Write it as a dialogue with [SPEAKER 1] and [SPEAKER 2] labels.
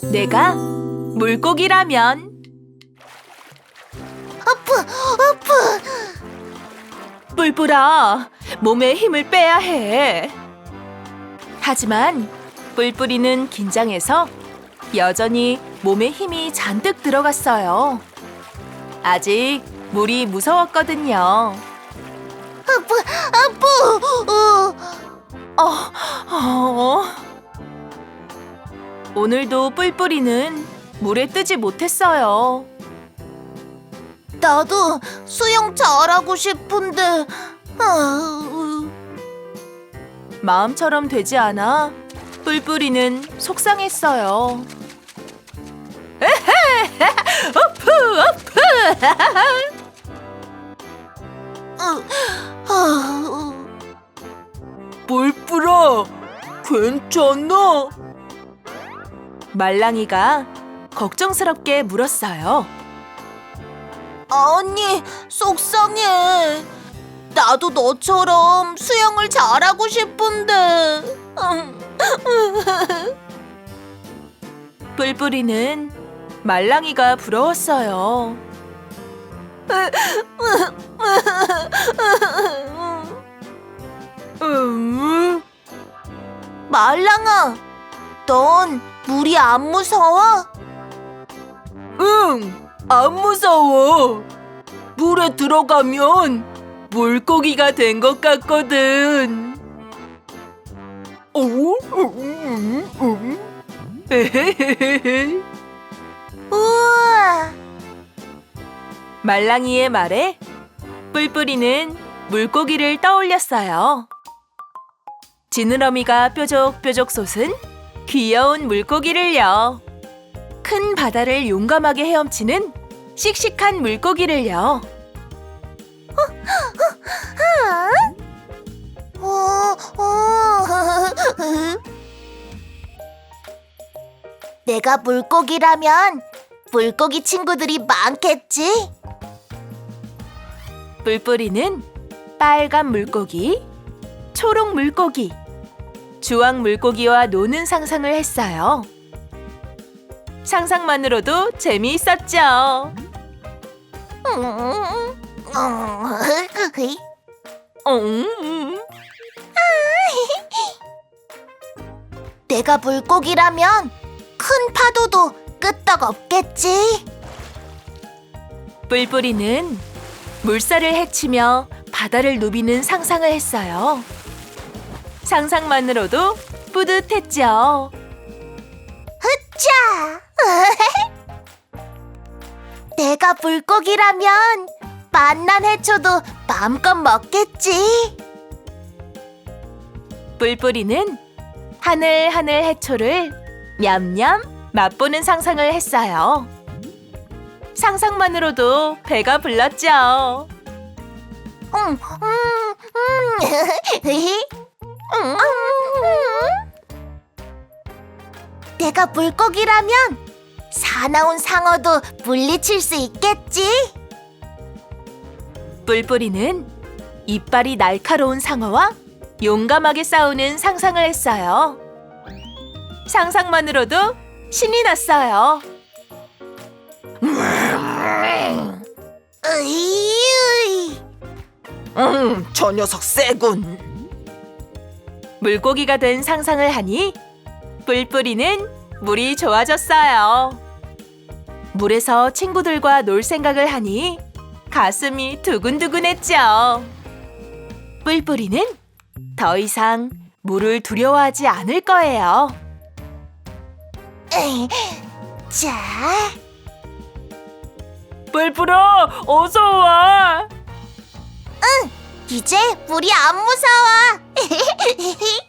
[SPEAKER 1] 내가 물고기라면
[SPEAKER 2] 아프.
[SPEAKER 1] 뿔뿔아, 몸에 힘을 빼야 해. 하지만 뿔뿔이는 긴장해서 여전히 몸에 힘이 잔뜩 들어갔어요. 아직 물이 무서웠거든요.
[SPEAKER 2] 아프.
[SPEAKER 1] 오늘도 뿔뿔이는 물에 뜨지 못했어요.
[SPEAKER 2] 나도 수영 잘하고 싶은데.
[SPEAKER 1] 마음처럼 되지 않아 뿔뿔이는 속상했어요. 뿔뿔아, 괜찮아? 말랑이가 걱정스럽게 물었어요.
[SPEAKER 2] 아니, 속상해. 나도 너처럼 수영을 잘하고 싶은데.
[SPEAKER 1] 뿔뿔이는 말랑이가 부러웠어요.
[SPEAKER 2] 말랑아, 넌 물이 안 무서워?
[SPEAKER 1] 응, 안 무서워. 물에 들어가면 물고기가 된 것 같거든.
[SPEAKER 2] 우와.
[SPEAKER 1] 말랑이의 말에 뿔뿔이는 물고기를 떠올렸어요. 지느러미가 뾰족뾰족 솟은 귀여운 물고기를요. 큰 바다를 용감하게 헤엄치는 씩씩한 물고기를요.
[SPEAKER 2] 내가 물고기라면 물고기 친구들이 많겠지?
[SPEAKER 1] 뿔뿔이는 빨간 물고기, 초록 물고기, 주황 물고기와 노는 상상을 했어요. 상상만으로도 재미있었죠.
[SPEAKER 2] 내가 물고기라면 큰 파도도 끄떡없겠지?
[SPEAKER 1] 뿔뿔이는 물살을 헤치며 바다를 누비는 상상을 했어요. 상상만으로도 뿌듯했죠.
[SPEAKER 2] 자, 내가 물고기라면 맛난 해초도 마음껏 먹겠지?
[SPEAKER 1] 뿔뿔이는 하늘하늘 해초를 냠냠 맛보는 상상을 했어요. 상상만으로도 배가 불렀죠.
[SPEAKER 2] 내가 물고기라면 사나운 상어도 물리칠 수 있겠지?
[SPEAKER 1] 뿔뿔이는 이빨이 날카로운 상어와 용감하게 싸우는 상상을 했어요. 상상만으로도 신이 났어요.
[SPEAKER 2] 저 녀석 세군.
[SPEAKER 1] 물고기가 된 상상을 하니 뿔뿔이는 물이 좋아졌어요. 물에서 친구들과 놀 생각을 하니 가슴이 두근두근했죠. 뿔뿔이는 더 이상 물을 두려워하지 않을 거예요.
[SPEAKER 2] 자,
[SPEAKER 1] 뿔뿔아, 어서 와.
[SPEAKER 2] 이제 물이 안 무서워.